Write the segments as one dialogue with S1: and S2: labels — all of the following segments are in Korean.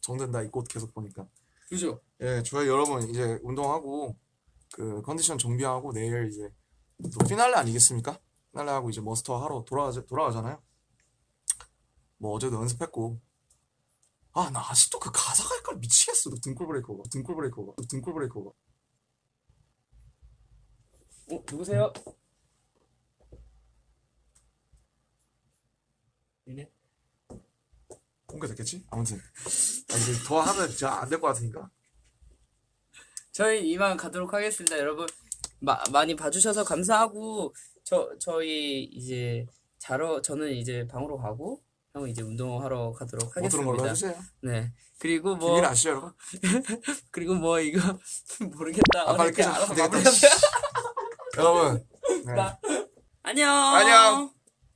S1: 정된다 이 꽃 계속 보니까.
S2: 그죠?
S1: 예, 저희 여러분 이제 운동하고 그 컨디션 정비하고 내일 이제 또 피날레 아니겠습니까? 피날레 하고 이제 머스터 하러 돌아가잖아요. 뭐 어제도 연습했고. 아, 나 아직도 그 가사가 헷갈려 미치겠어. 등골 브레이커가.
S2: 누구세요? 얘네?
S1: 공개됐겠지? 아무튼 이제 더 하면 진짜 안 될 것 같으니까.
S2: 저희 이만 가도록 하겠습니다. 여러분 많이 봐주셔서 감사하고 저희 이제 저는 이제 방으로 가고 형은 이제 운동하러 가도록
S1: 뭐 들은 걸로
S2: 하겠습니다.
S1: 해주세요.
S2: 네. 그리고 뭐
S1: 비밀 아시죠 여러분?
S2: 그리고 뭐 이거 모르겠다.
S1: 아, 빨리
S2: 어떻게
S1: 끄자.
S2: 알아서
S1: 안 되겠다.
S2: 마무리하세요.
S1: 여러분 네.
S2: 안녕.
S1: 안녕.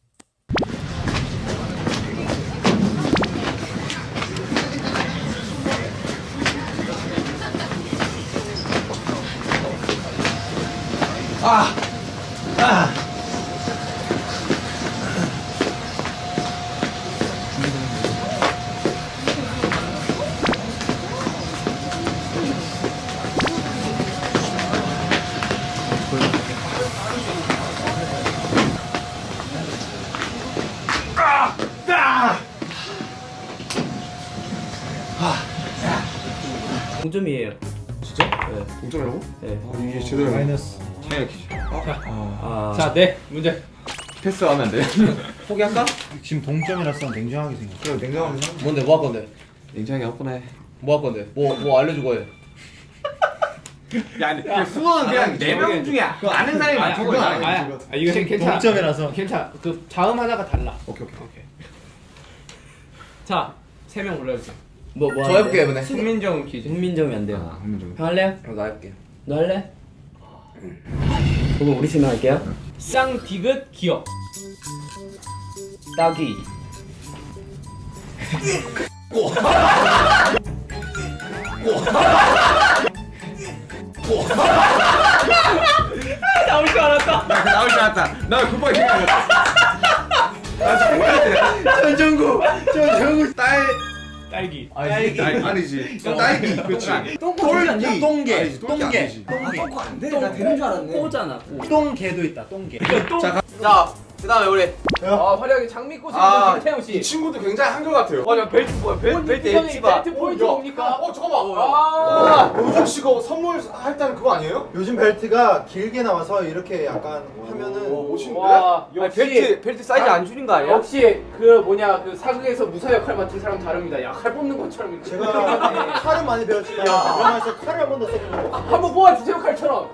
S2: 동점이에요.
S1: 진짜?
S2: 네.
S1: 동점이라고?
S2: 네.
S1: 이게 제대로
S3: 마이너스.
S2: 자, 네 문제.
S4: 패스하면 안 돼?
S2: 포기할까?
S3: 지금 동점이라서 냉정하게 생각.
S1: 그냥 냉정하게 생각.
S2: 뭔데 뭐 할 건데?
S4: 냉정하게 화분해.
S2: 뭐 할 건데? 뭐 알려주고 해.
S4: 야, 수원은 그냥 4명 중에 아는 사람이 많다고
S3: 그건
S4: 그래.
S3: 아니야.
S5: 이거 괜찮아.
S3: 동점이라서.
S5: 괜찮아. 그 자음 하나가 달라.
S4: 오케이.
S5: 자, 3명 올려주세요.
S2: 뭐
S4: 저 해볼게요 이번에.
S5: 훈민정 퀴즈.
S2: 훈민정이 안 돼요.
S4: 한번
S2: 형 할래요?
S4: 나 할게.
S2: 너 할래? 그럼 우리 팀 할게요.
S5: 쌍디귿 기억.
S2: 따귀.
S5: 나올 줄 알았다.
S4: 나올 줄 알았다. 나 급하게 생각했다.
S3: 전정구
S5: 딸기.
S4: 아니지. 딸기. 그렇지.
S2: 똥개.
S4: 똥개.
S2: 똥개. 나 되는 줄 알았네. 꼬잖아.
S3: 똥개도 있다. 똥개.
S2: 자, 그다음에 우리
S5: 화려하게 장미꽃을
S4: 아,
S5: 입은 김태형 씨.
S1: 친구도 굉장히 한결 같아요.
S2: 맞아 벨트 뭐야? 벨트
S5: 형이
S2: 엣지가.
S5: 벨트 포인트 뭡니까?
S1: 잠깐만. 요즘 씨가 선물 할 때는 그거 아니에요?
S3: 요즘 벨트가 길게 나와서 이렇게 약간 하면은
S1: 멋있는데?
S5: 와,
S2: 벨트 사이즈 안 줄인 거 아니야?
S5: 역시 그 사극에서 무사 역할 맡은 사람 다릅니다. 야, 칼 뽑는 것처럼 이렇게.
S3: 제가 칼은 많이 배웠지만 드라마에서 칼을 한 번도 써본 적 없어요.
S5: 한번 뽑아주세요 칼처럼.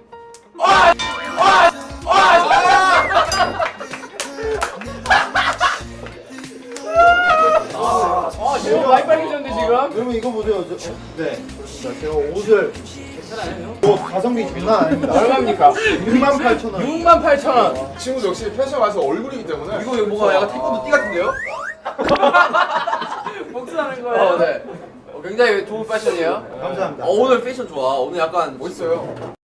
S5: 제가 많이 빨개졌는데 지금.
S3: 여러분 이거 보세요. 네. 그렇습니다. 제가 옷을 가성비 장난 아닙니다.
S5: 얼마입니까?
S3: 68,000원.
S5: 68,000원.
S1: 친구도 역시 패션 가서 얼굴이기 때문에.
S2: 이거 뭐가 약간 태권도 띠 같은데요?
S5: 복수하는 거예요.
S2: 네. 굉장히 좋은 패션이에요.
S3: 감사합니다.
S2: 오늘 패션 좋아. 오늘 약간
S1: 멋있어요.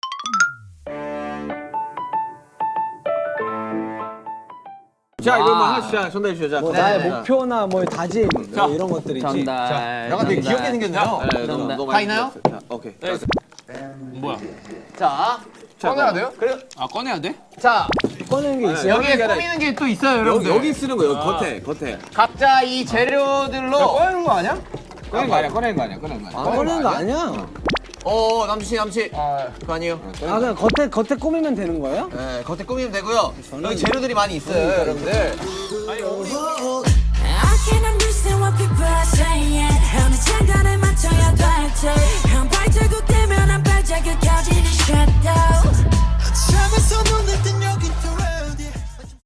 S4: 자, 이거 뭐 하나씩 전달해 주시죠.
S6: 뭐 나의 목표나 뭐 다짐 뭐 이런 것들이 있지.
S4: 약간 되게 귀엽게 생겼네요.
S2: 다 있나요?
S4: 오케이.
S2: 자, 꺼내야 돼요? 그래.
S5: 꺼내야 돼?
S2: 자,
S6: 꺼내는 게 있어요.
S2: 여기에 꾸미는 게 또 있어요, 여러분들.
S4: 여기 쓰는 거예요. 겉에.
S2: 각자 이 재료들로
S4: 꺼내는 거 아니야? 꺼내는 거 아니야.
S6: 안 꺼내는 거 아니야?
S2: 남친. 그거 아니에요?
S6: 아 그냥 겉에 꾸미면 되는 거예요?
S2: 네, 겉에 꾸미면 되고요. 여기 재료들이 많이 있어요, 여러분들.
S7: I can't understand what people are saying. 어느 장단에 맞춰야 될지